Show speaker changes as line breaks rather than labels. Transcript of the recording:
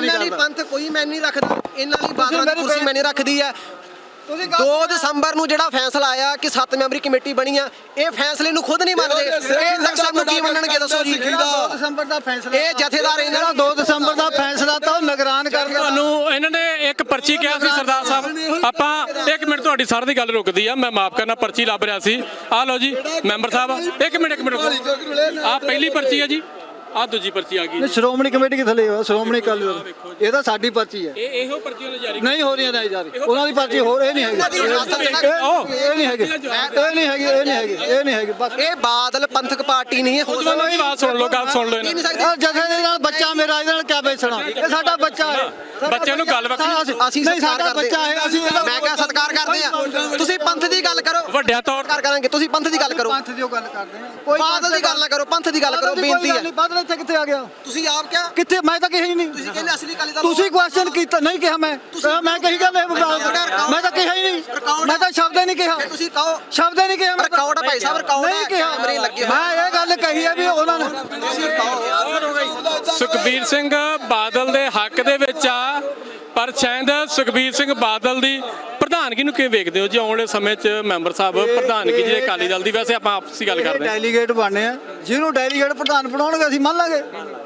ਇਹਨਾਂ ਲਈ ਪੰਥ ਕੋਈ ਮੈਂ ਨਹੀਂ ਰੱਖਦਾ, ਇਹਨਾਂ ਲਈ ਬਾਦਲਾਂ ਦੀ ਕੁਰਸੀ ਮੈਂ ਨਹੀਂ ਰੱਖਦੀ ਹੈ। 2 ਦਸੰਬਰ ਨੂੰ ਜਿਹੜਾ ਫੈਸਲਾ ਆਇਆ ਕਿ 7 ਮੈਂਬਰੀ ਕਮੇਟੀ ਬਣੀ ਆ, ਇਹ ਫੈਸਲੇ ਨੂੰ ਖੁਦ ਨਹੀਂ ਮੰਨਦੇ। ਇਹ ਲਕਸ਼ਣ ਨੂੰ ਕੀ ਮੰਨਣਗੇ ਦੱਸੋ ਜੀ?
2 ਦਸੰਬਰ ਦਾ ਫੈਸਲਾ,
ਇਹ ਜਥੇਦਾਰ ਇਹਨਾਂ ਦਾ
2 ਦਸੰਬਰ ਦਾ ਫੈਸਲਾ ਤਾਂ ਨਿਗਰਾਨ ਕਰਨ ਦਾ।
ਤੁਹਾਨੂੰ ਇਹਨਾਂ ਨੇ ਇੱਕ ਪਰਚੀ ਕਿਹਾ ਸੀ ਸਰਦਾਰ ਸਾਹਿਬ, ਆਪਾਂ 1 ਮਿੰਟ ਤੁਹਾਡੀ ਸਰ ਦੀ ਗੱਲ ਰੁਕਦੀ ਆ, ਮੈਂ ਮਾਫ ਕਰਨਾ, ਪਰਚੀ ਲੱਭ ਰਿਹਾ ਸੀ। ਆਹ ਲਓ ਜੀ ਮੈਂਬਰ ਸਾਹਿਬ, 1 ਮਿੰਟ ਆਹ ਪਹਿਲੀ ਪਰਚੀ ਆ ਜੀ, ਆਹ ਦੂਜੀ ਪਰਚੀ ਆ ਗਈ।
ਸ਼੍ਰੋਮਣੀ ਕਮੇਟੀ ਕਿੱਥੇ ਲਈ ਸ਼੍ਰੋਮਣੀ ਅਕਾਲੀ ਦਲ, ਇਹ ਤਾਂ ਸਾਡੀ ਪਰਚੀ ਹੈ।
ਇਹੋ ਪਰਚੀ ਉਹਨੇ ਜਾਰੀ
ਨਹੀਂ ਹੋ ਰਹੀਆਂ ਨਹੀਂ ਜਾਰੀ, ਉਹਨਾਂ ਦੀ ਪਰਚੀ ਹੋਰ, ਇਹ ਨਹੀਂ ਹੈਗੀ, ਇਹ ਨਹੀਂ ਹੈਗੀ, ਇਹ ਨਹੀਂ ਹੈਗੀ, ਇਹ ਨਹੀਂ ਹੈਗੀ, ਇਹ ਨਹੀਂ ਹੈਗੀ। ਬਸ
ਇਹ ਬਾਦਲ ਪੰਥਕ ਪਾਰਟੀ ਨਹੀਂ ਹੈ।
ਉਹਦੀ ਆਵਾਜ਼ ਸੁਣ ਲਓ, ਗੱਲ ਸੁਣ ਲਓ ਇਹਨਾਂ ਦੀ।
ਜਥੇ ਦੇ ਨਾਲ ਬੱਚਾ ਮੇਰਾ, ਇਹਦੇ ਨਾਲ ਕਿਆ ਵੇਚਣਾ? ਇਹ ਸਾਡਾ ਬੱਚਾ ਹੈ,
ਬੱਚਿਆਂ ਨੂੰ ਗੱਲ ਵੱਖਰੀ,
ਅਸੀਂ
ਨਹੀਂ
ਸਤਿਕਾਰ
ਸਾਡਾ
ਕਰਦੇ
ਬੱਚਾ ਹੈ, ਅਸੀਂ
ਮੈਂ ਕਿਹਾ ਸਤਿਕਾਰ ਕਰਦੇ ਆ। ਤੁਸੀਂ ਪੰਥ ਦੀ ਗੱਲ ਕਰੋ,
ਵੱਡਿਆਂ ਤੌਰ
ਸਤਿਕਾਰ ਕਰਾਂਗੇ। ਤੁਸੀਂ ਪੰਥ ਦੀ ਗੱਲ ਕਰੋ,
ਪੰਥ ਦੀ ਗੱਲ ਕਰਦੇ ਆ,
ਬਾਦਲ ਦੀ ਗੱਲ ਨਾ ਕਰੋ, ਪੰਥ ਦੀ ਗੱਲ ਕਰੋ, ਬੇਨਤੀ ਹੈ।
ਬਾਦਲ ਇੱਥੇ ਕਿੱਥੇ ਆ ਗਿਆ?
ਤੁਸੀਂ ਆਪ ਕਿਹਾ,
ਕਿੱਥੇ? ਮੈਂ ਤਾਂ ਕਿਹਾ ਹੀ ਨਹੀਂ।
ਤੁਸੀਂ ਕਹਿੰਦੇ ਅਸਲੀ ਅਕਾਲੀ ਦਲ
ਤੁਸੀਂ ਕੁਐਸਚਨ ਕੀਤਾ ਨਹੀਂ, ਕਿਹਾ ਮੈਂ ਕਹੀ ਗੱਲ, ਮੈਂ ਤਾਂ ਕਿਹਾ ਹੀ ਨਹੀਂ, ਮੈਂ ਤਾਂ ਸ਼ਬਦ ਹੀ ਨਹੀਂ ਕਿਹਾ,
ਤੁਸੀਂ ਕਹੋ
ਸ਼ਬਦ ਹੀ ਨਹੀਂ ਕਿਹਾ,
ਰਿਕਾਰਡ ਭਾਈ ਸਾਹਿਬ, ਰਿਕਾਰਡ
ਨਹੀਂ ਕਿਹਾ।
ਕੈਮਰੇ ਲੱਗੇ ਹੋਏ।
ਮੈਂ ਇਹ ਗੱਲ ਕਹੀ ਹੈ ਵੀ ਉਹਨਾਂ ਨੇ
ਸੁਖਬੀਰ ਸਿੰਘ ਬਾਦਲ ਦੇ ਹੱਕ ਦੇ ਵਿੱਚ ਆ, ਪਰ ਸ਼ਾਇਦ ਸੁਖਬੀਰ ਸਿੰਘ ਬਾਦਲ ਦੀ ਪ੍ਰਧਾਨਗੀ ਨੂੰ ਕਿਵੇਂ ਵੇਖਦੇ ਹੋ ਜੀ ਆਉਣ ਵਾਲੇ ਸਮੇਂ 'ਚ? ਮੈਂਬਰ ਸਾਹਿਬ ਪ੍ਰਧਾਨਗੀ ਜਿਹੜੇ ਅਕਾਲੀ ਦਲ ਦੀ, ਵੈਸੇ ਆਪਾਂ ਆਪਸੀ ਗੱਲ ਕਰਦੇ ਹਾਂ,
ਡੈਲੀਗੇਟ ਬਣਨੇ ਆ, ਜਿਹਨੂੰ ਡੈਲੀਗੇਟ ਪ੍ਰਧਾਨ ਬਣਾਉਣਗੇ ਅਸੀਂ ਮੰਨ ਲਾਂਗੇ।